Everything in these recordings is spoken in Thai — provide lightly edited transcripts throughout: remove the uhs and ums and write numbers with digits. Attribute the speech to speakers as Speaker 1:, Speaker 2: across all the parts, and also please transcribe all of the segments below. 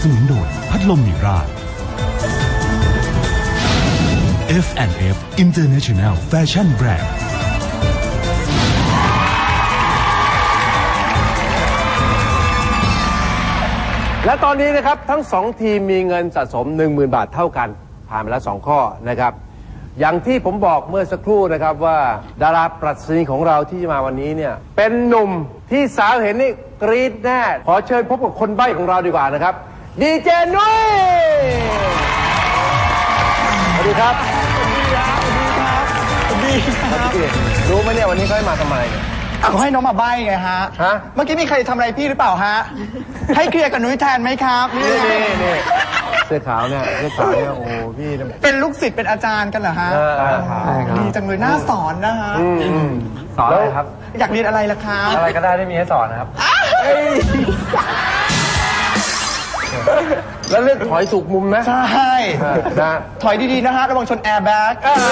Speaker 1: สนุนโดยพัดลมมิรา F&F International Fashion Brand
Speaker 2: และตอนนี้นะครับทั้ง2ทีมมีเงินสะสม 10,000 บาทเท่ากันผ่านไปแล้ว2ข้อนะครับอย่างที่ผมบอกเมื่อสักครู่นะครับว่าดาราปรัชนีของเราที่จะมาวันนี้เนี่ยเป็นหนุ่มที่สาวเห็นนี่กรี๊ดแน่ขอเชิญพบกับคนใบ้ของเราดีกว่านะครับดีเจนุ้ยสวัสดีครับสวัสดีครับสวัสดีครับรู้ไหมเนี่ยวันนี้เขาให้มาทำไมเนี่ย
Speaker 3: เอาให้น้องมาใบ้ไงฮะเมื่อกี้มีใครทำอะไรพี่หรือเปล่าฮะให้เคลียร์กับนุ้ยแทนไหมครับ
Speaker 2: นี่เสื้อขาวเนี่ยโอ้พี่
Speaker 3: เป็นลูกศิษย์เป็นอาจารย์กันเหรอฮะดีจังเลยน่าสอนนะฮะ
Speaker 4: สอนอะไรครับ
Speaker 3: อยากเรียนอะไรล่ะครับ
Speaker 4: อะไรก็ได้ที่มีให้สอนนะครับ
Speaker 2: แล้วเลือกถอยถูกมุมนะ
Speaker 3: ใช่ถอยดีๆนะฮะระวังชนแอร์แบ็ก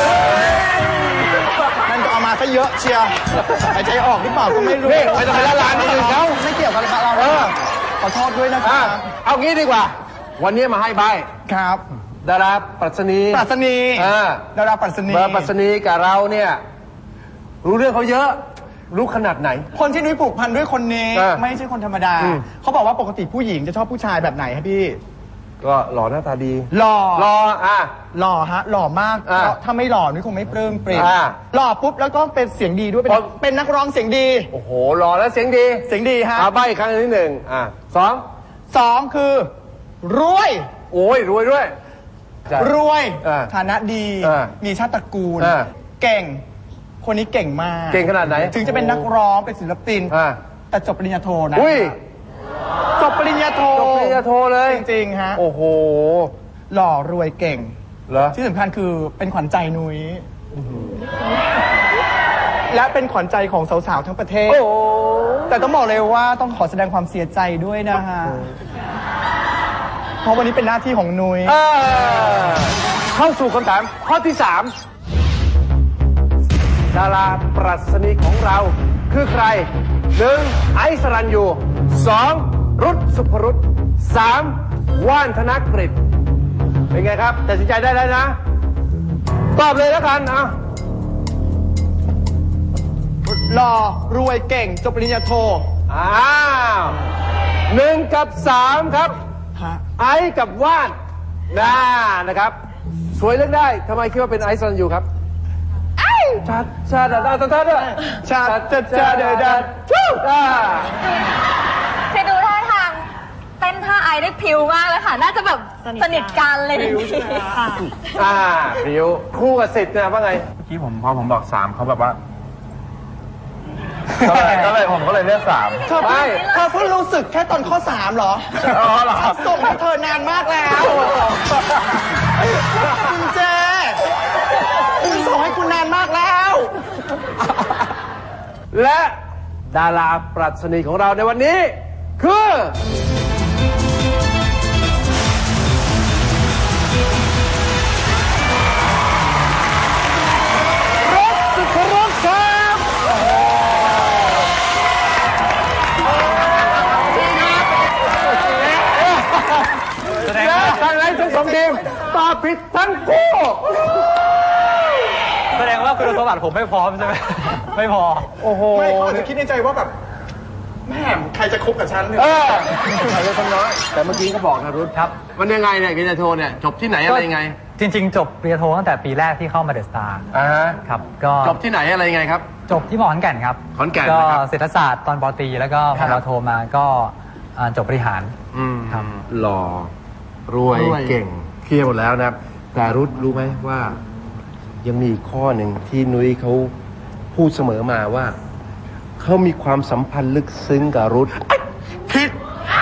Speaker 3: นั่นก็เอามาซะเยอะเชียวหายใจออกหรือเปล่าก็ไม่รู้
Speaker 2: ไม่ต้องไปละลานนี่อื่นเขา
Speaker 3: ไม่เกี่ยวกับเราขอโทษด้วยนะครับ
Speaker 2: เอางี้ดีกว่าวันนี้มาให้ใบ
Speaker 3: ครับ
Speaker 2: ดาราปรัชนี
Speaker 3: ดาราปรัช
Speaker 2: นีกับเราเนี่ยรู้เรื่องเขาเยอะรู้ขนาดไหน
Speaker 3: คนที่นุ้ยผูกพันด้วยคนนี้ไม่ใช่คนธรรมดาเขาบอกว่าปกติผู้หญิงจะชอบผู้ชายแบบไหนครับพี่
Speaker 2: ก็หล่อหน้าตาดี
Speaker 3: หล่อ
Speaker 2: ห
Speaker 3: ล่อฮะหล่อมากถ้าไม่หล่อนุ้ยคงไม่ปลื้มปริ่มหล่อปุ๊บแล้วก็เป็นเสียงดีด้วยเป็นนักร้องเสียงดี
Speaker 2: โอ้โหหล่อแล้วเสียงดี
Speaker 3: ฮะ
Speaker 2: ใบ้ครั้งที่หนึ่ง
Speaker 3: สองคือรวย
Speaker 2: โอ้ยรวยด้วย
Speaker 3: รวยฐานะดีมีชาติตระกูลเก่งคนนี้เก่งมาก
Speaker 2: เก่งขนาดไหน
Speaker 3: ถึงจะเป็นนักร้องเป็นศิลปินแต่จบปริญญาโทนะจบปริญญาโท
Speaker 2: เลย
Speaker 3: จริงๆฮะ
Speaker 2: โอ้โห
Speaker 3: หล่อรวยเก่ง
Speaker 2: เหรอ
Speaker 3: ที่สำคัญคือเป็นขวัญใจนุ้ยและเป็นขวัญใจของสาวๆทั้งประเทศแต่ต้องบอกเลยว่าต้องขอแสดงความเสียใจด้วยนะฮะเพราะวันนี้เป็นหน้าที่ของนุ้ย
Speaker 2: เข้าสู่คำถามข้อที่3ดาราปรัชนีของเราคือใคร 1. ไอซ์สรัญยู 2. รุตสุภรุต 3. ว่านธนกฤษเป็นไงครับตัดสินใจได้แล้วนะตอบเลยแล้วกัน
Speaker 3: หล่อรวยเก่งจบปริญญาโท
Speaker 2: 1 กับ 3ครับไอซ์กับว่านนะครับสวยเลือกได้ทำไมคิดว่าเป็นไอซ์สรัญยูครับชาด้วย
Speaker 5: คือดูท่าทางเต้นท่าไอได้พิวมากเลยค่ะน่าจะแบบสนิทกันเลย
Speaker 2: พิวคู่กับสิทธิ์นะว่าไง
Speaker 4: เมื่อกี้พอผมบอก3เขาแบบว่าผมก็เลยเลือก3
Speaker 3: เธอเพิ่งรู้สึกแค่ตอนข้อ3เหรอส่งให้เธอนานมากแล้วคุณเจส่งให้คุณนานมากแล้ว
Speaker 2: และดาราปรัชนีของเราในวันนี้คือรุตสุภรุตครับและทางไหนทั้ง2ทีมตอบผิดทั้งคู่
Speaker 4: แสดงว่าคุณสมบัติผมไม่พร้อมใช่ไหมไม่พอ
Speaker 3: โอ้โหไม่คิดในใจว่าแบบแม่ใครจะคบกับฉันเนี่ย
Speaker 2: ใครจะทำน้อยแต่เมื่อกี้ก็บอกนะรุตครับมันยังไงเนี่ยปริญญาโทเนี่ยจบที่ไหนอะไรยังไง
Speaker 4: จริงๆจบปริญญาโทตั้งแต่ปีแรกที่เข้ามาเดอะสตาร์ครับก็
Speaker 2: จบที่ไหนอะไรยังไงครับ
Speaker 4: จบที่มอขอนแก่นครับ
Speaker 2: ขอนแก่น
Speaker 4: ก็เศรษฐศาสตร์ตอนป.ตรีแล้วก็พอเราโทมาก็จบบริหาร
Speaker 2: ครับหล่อรวยเก่งเคลียร์หมดแล้วนะครับแต่รุตรู้ไหมว่ายังมีอีกข้อหนึ่งที่นุ้ยเขาพูดเสมอมาว่าเขามีความสัมพันธ์ลึกซึ้งกับรุตผิด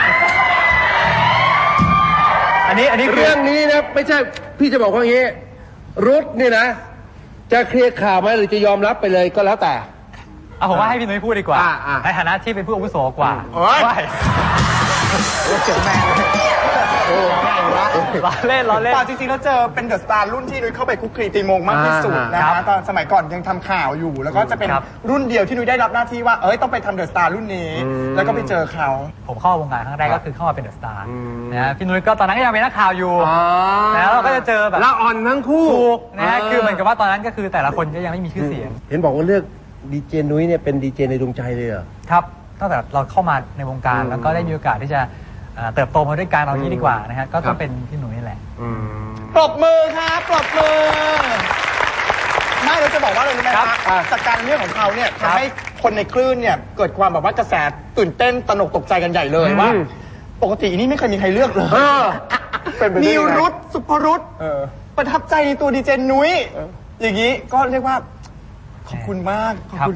Speaker 4: อันนี้
Speaker 2: เรื่องนี้นะไม่ใช่พี่จะบอกว่าอย่างนี้รุตนี่นะจะเคลียร์ข่าวไหมหรือจะยอมรับไปเลยก็แล้วแต่
Speaker 4: ผมว่าให้พี่นุ้ยพูดดีกว่าในฐานะที่เป็นผู้อาวุโสกว่า
Speaker 3: เจ๋งแม่ละ
Speaker 4: ล้อเล่น
Speaker 3: ป่าจริงๆแล้วเจอเป็นเดอะสตาร์รุ่นที่นุ้ยเข้าไปคุกคลีตีมงมากที่สุดนะ
Speaker 4: ครั
Speaker 3: ฮะ
Speaker 4: บ
Speaker 3: ตอนสมัยก่อนยังทำข่าวอยู่ แล้วก็จะเป็น
Speaker 4: ครับ
Speaker 3: รุ่นเดียวที่นุ้ยได้รับหน้าที่ว่าต้องไปทำเดอะสตาร์รุ่นนี้ แล้วก็ไปเจอเขา
Speaker 4: ผมเข้าวงการครั้งแรกก็คือเข้ามาเป็นเดอะสตาร์นะฮะพี่นุ้ยก็ตอนนั้นก็ยังเป็นนักข่าวอยู่ แล้วเราก็จะเจอแบบ
Speaker 2: ละอ่อนทั้งคู่
Speaker 4: ถูกนะฮะคือเหมือนกับว่าตอนนั้นก็คือแต่ละคนก็ยังไม่มีชื่อเสียง
Speaker 2: เห็นบอกว่าเลือกดีเจนุ้ยเนี่ยเป็นดีเจในดวงใจเลยเหรอ
Speaker 4: ครับตั้งแต่เราเข้ามาในวงการแล้วก็ได้มีโอกาสที่จะเติบโตมาด้วยกันเอางี้ดีกว่านะฮะก็ต้องเป็นพี่หนุ่ยนี่แหละ
Speaker 3: ปรบมือครับปรบมือไม่เราจะบอกว่าอะไรรู้ไหมครับจากการเรื่องของเขาเนี่ยทำให้คนในคลื่นเนี่ยเกิดความแบบว่ากระแสตื่นเต้นตระหนกตกใจกันใหญ่เลยว่า ปกตินี่ไม่เคยมีใครเลือกเลยนิวรุตสุภรุตประทับใจในตัวดีเจนุ้ยอย่างนี้ก็เรียกว่าขอบคุณมากขอบคุณ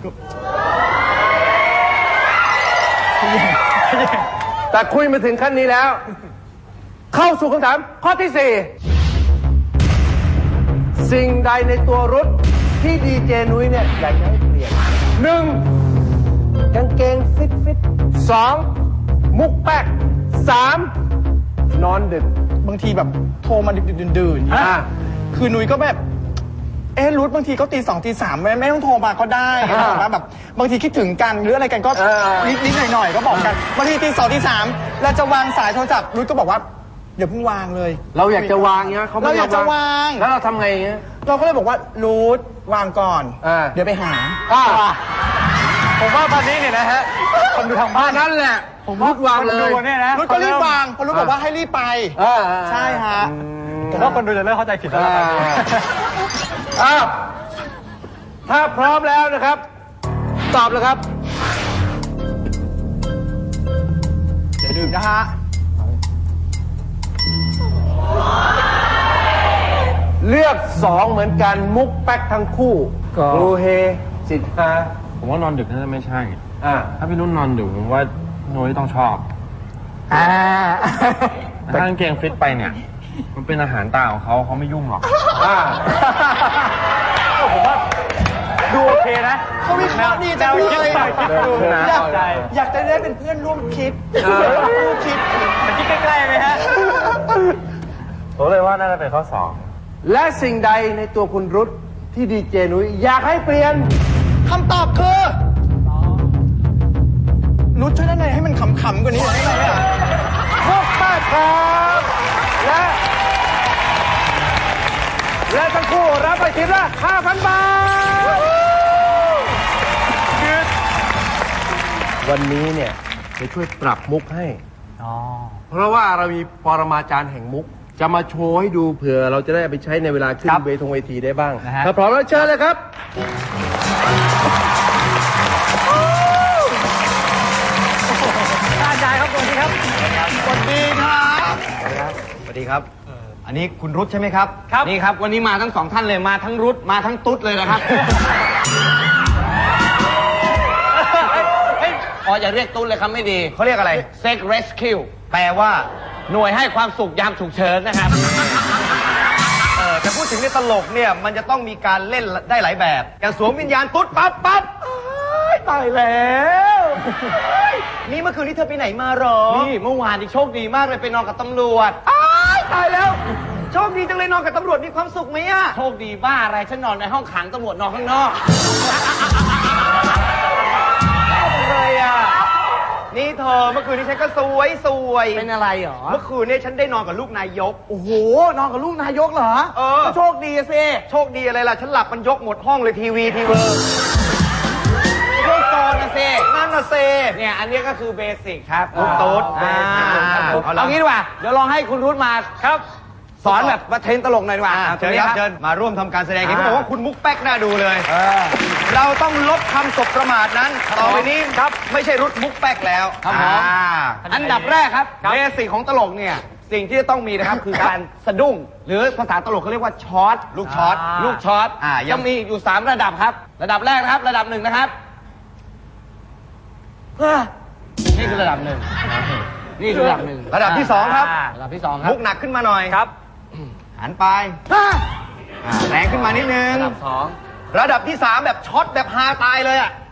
Speaker 2: แต่คุยมาถึงขั้นนี้แล้ว เข้าสู่คำถามข้อที่ 4 สิ่งใดในตัวรุทที่ดีเจนุ้ยเนี่ยอยากจะให้เปลี่ยน 1. กางเกงฟิต 2. มุกแป๊ก 3. นอนดึก
Speaker 3: บางทีแบบโทรมาดึกๆดื่นๆคือนุ้ยก็แบบรุทบางทีก็ตี 2 ตี 3ไม่ต้องโทรมาก็ได้นะแบบบางทีคิดถึงกันหรืออะไรกันก็นิดๆหน่อยๆก็บอกกันบางทีตี 2 ตี 3เราจะวางสายโทรศัพท์รุทก็บอกว่าอย่าเพิ่งวางเลย
Speaker 2: เราอยากจะวางเงี้ยเขาไม่
Speaker 3: เราอยากจะวาง
Speaker 2: แล้วเราทำไงเงี้ย
Speaker 3: เราก็เลยบอกว่ารุทวางก่อนเดี๋ยวไปหา
Speaker 4: ผมว่าตอนนี้เนี่ยนะฮะคนดูทางบ้าน
Speaker 2: นั่นแหละผมรุทวางเลย
Speaker 4: เนี่ยนะ
Speaker 3: รุทก็รีบวางเพราะรุทบอกว่าให้รีบไปใช่ฮะ
Speaker 4: ผมว่าคนดูจะเริ่มเข้าใจผิดแล้วตอนนี้
Speaker 2: อ้าวถ้าพร้อมแล้วนะครับ ตอบเลยครับ
Speaker 3: อย่าลืมนะฮะ
Speaker 2: เลือก 2 เหมือนกันมุกแป๊กทั้งคู่ครูเฮสิทธา
Speaker 6: ผมว่านอนดึกน่าจะไม่ใช่
Speaker 2: อ่า
Speaker 6: ถ้าพี่นุ่นนอนดึกผมว่านุ้ยต้องชอบแต่ถ้ากางเกงฟิตไปเนี่ย มันเป็นอาหารตาของเขาไม่ยุ่งหรอก
Speaker 4: ผมว่าดูโอเคนะ
Speaker 3: เขาวิเคราะห์ดีจังเลย อยากจะได้เป็นเพื่อนร่วมคิดคู่คิด
Speaker 4: มันคิดใกล้ๆไหมฮะ
Speaker 6: ผมเลยว่าน่าจะเป็นข้อ
Speaker 2: และสิ่งใดในตัวคุณรุทที่ดีเจนุ้ยอยากให้เปลี่ยน
Speaker 3: คำตอบคือรุทช่วยด้านในให้มันขำๆกว่านี้หน่อยได้ไหม
Speaker 2: มุกแป๊กครับและทั้งคู่รับไปทีละ 5,000 บาท วันนี้เนี่ยจะช่วยปรับมุกให้ เพราะว่าเรามีปรมาจารย์แห่งมุก จะมาโชว์ให้ดูเผื่อเราจะได้เอาไปใช้ในเวลาขึ้นเวทีได้บ้าง
Speaker 4: นะฮะ
Speaker 2: ถ้าพร้อมแล้วเชิญเลยครับ
Speaker 4: อาจารย์ครับสวัสดีครับ
Speaker 3: สวัสดีครับ
Speaker 7: สวัสดีครับ อันนี้คุณรุทใช่ไหมครับ
Speaker 4: ครับ
Speaker 7: นี่ครับ วันนี้มาทั้ง 2 ท่านเลย มาทั้งรุทมาทั้งตุ๊ดเลยนะครับ อ๋ออย่าเรียกตุ๊ดเลยครับไม่ดี
Speaker 3: เขาเรียกอะไร
Speaker 7: Sex Rescue แปลว่า หน่วยให้ความสุขยามฉุกเฉินนะครับ
Speaker 3: แต่พูดถึงในตลกเนี่ยมันจะต้องมีการเล่นได้หลายแบบ อย่างสวมวิญญาณตุ๊ดปั๊บตายแล้วนี่เมื่อคืนนี้เธอไปไหนมาหรอ
Speaker 7: นี่เมื่อวานนี่โชคดีมากเลยไปนอนกับตำรวจ
Speaker 3: ตายแล้วโชคดีจังเลยนอนกับตำรวจมีความสุขไหมอะ
Speaker 7: โชคดีบ้าอะไรฉันนอนในห้องขังตำรวจนอนข้างนอก
Speaker 3: เลยอะนี่เธอเมื่อคืนนี้ฉันก็สวย
Speaker 7: เป็นอะไรหรอ
Speaker 3: เมื่อคืนนี้ฉันได้นอนกับลูกนายก
Speaker 7: โอ้โห นอนกับลูกนายกเหรอ
Speaker 3: ก็โชคดีสิโชคดีอะไรล่ะฉันหลับมันยกหมดห้องเลยทีวีเวอร์
Speaker 7: โชคโตนะเซ่
Speaker 3: นั่นน่ะเซ
Speaker 7: เนี่ยอันนี้ก็คือเบสิกครับ
Speaker 3: ลูกตุ๊ด
Speaker 7: เอางี้ดีกว่า เดี๋ยวลองให้คุณรุทมาครับ สอนแบบมาเทรนตลกหน่อยดีกว่า
Speaker 3: เชิญครับเชิญมาร่วมทำการแสดงเห็นเขาบอกว่าคุณมุกแป๊กน่าดูเลยเราต้องลบคำสบประมาทนั้นต่อไปนี้ครับไม่ใช่รุทมุกแป๊กแล้ว
Speaker 7: ครับผม อันดับแรกครับเบสิกของตลกเนี่ยสิ่งที่จะต้องมีนะครับ คือการสะดุ้ง หรือภาษาตลกเขาเรียกว่าช็อตลูกช็อตลูกช็อตจะมีอยู่3ระดับครับ ระดับแรกนะครับ ระดับ1นะครับนี่คือระดับ1นี่คือระดับ1
Speaker 3: ระดับที่2ครับ
Speaker 7: ระดับที่2ครับ
Speaker 3: มุกหนักขึ้นมาหน่อยครับหันไปแรงขึ้นมานิดนึง
Speaker 7: ระดับ2
Speaker 3: ระดับที่3แบบช็อตแบบฮาตายเลยอ่ะ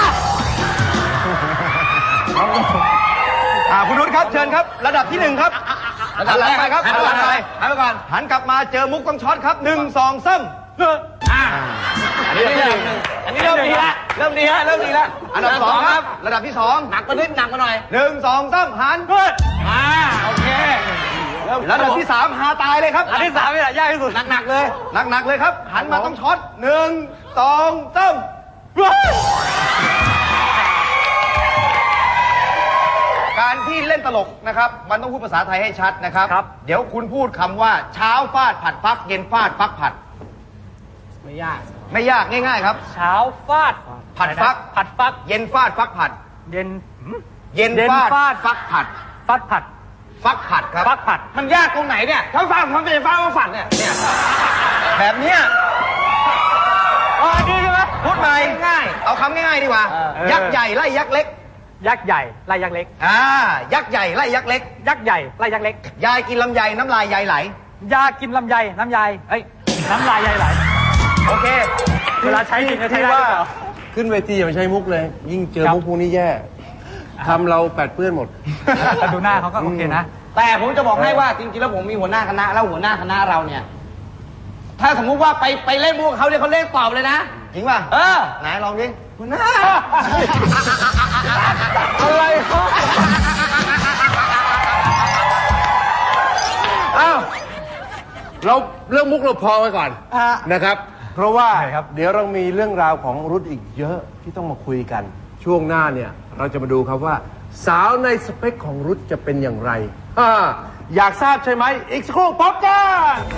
Speaker 3: คุณนุชครับเชิญครับระดับที่1ครับ
Speaker 7: ระดับแรกครับหันไปก่อนหันกลับมาเจอมุกต้องช็อตครับ1 2 3อันนี้เริ่มดีแล้วเริ่มดีแล้วอันดับ2ครับระดับที่2หนักมานิดหนักมาหน่อย1 2 3หันโอเคระดับที่3หาตายเลยครับอันที่3นี่แหละยากที่สุดหนักเลยครับหันมาต้องช็อต1 2 3การที่เล่นตลกนะครับมันต้องพูดภาษาไทยให้ชัดนะครับเดี๋ยวคุณพูดคำว่าเช้าฟาดผัดฟักเย็นฟาดฟักผัดไม่ยากง่ายๆครับ
Speaker 4: เช้าฟาด
Speaker 7: ผัดฟักเย็นฟาดฟักผัด
Speaker 4: เย็น
Speaker 7: ฟาดฟักผัด
Speaker 4: ฟักผัด
Speaker 7: ครับ
Speaker 4: ฟักผัด
Speaker 7: มันยากตรงไหนเนี่ยถ้าฟังมันเป็นฟ้าฝัดเนี่ยแบบเนี้ย
Speaker 4: ดีใช่ไหม
Speaker 7: พูดใหม่ง่ายเอาคำง่ายๆดีกว่ายักษ์ใหญ่ไล่ยักษ์เล็ก
Speaker 4: ยักษ์ใหญ่ไล่ยักษ์เล็ก
Speaker 7: ยักษ์ใหญ่ไล่ยักษ์เล็ก
Speaker 4: ยักษ์ใหญ่ไล่ยักษ์เล็ก
Speaker 7: ยายกินลำไยน้ำลายยายไหล
Speaker 4: ยากินลำไยน้ำยายน้ำลายยายไหล
Speaker 7: โอเค
Speaker 4: เวลาใช้จริงก็ใช้ได้
Speaker 2: ว่าขึ้นเวทีอย่าไปใช้มุกเลยยิ่งเจอมุกพวกนี้แย่ทำเราแปดเปื้อนหมด
Speaker 4: แต่ดูหน้าเขาก็โอเคนะ
Speaker 7: แต่ผมจะบอกให้ว่าจริงๆแล้วผมมีหัวหน้าคณะแล้วหัวหน้าคณะเราเนี่ยถ้าสมมุติว่าไปเล่นมุกเขาเนี่ยเขาเล่นตอบเลยนะจริงป่ะไหนลองดิหัวหน้า
Speaker 2: อะไรอ้าวเราเรื่องมุกเราพอไว้ก่อนนะครับเพราะว่าเดี๋ยวเรามีเรื่องราวของรุทอีกเยอะที่ต้องมาคุยกันช่วงหน้าเนี่ยเราจะมาดูครับว่าสาวในสเปคของรุทจะเป็นอย่างไรอยากทราบใช่ไหมอีกสักครู่พบกัน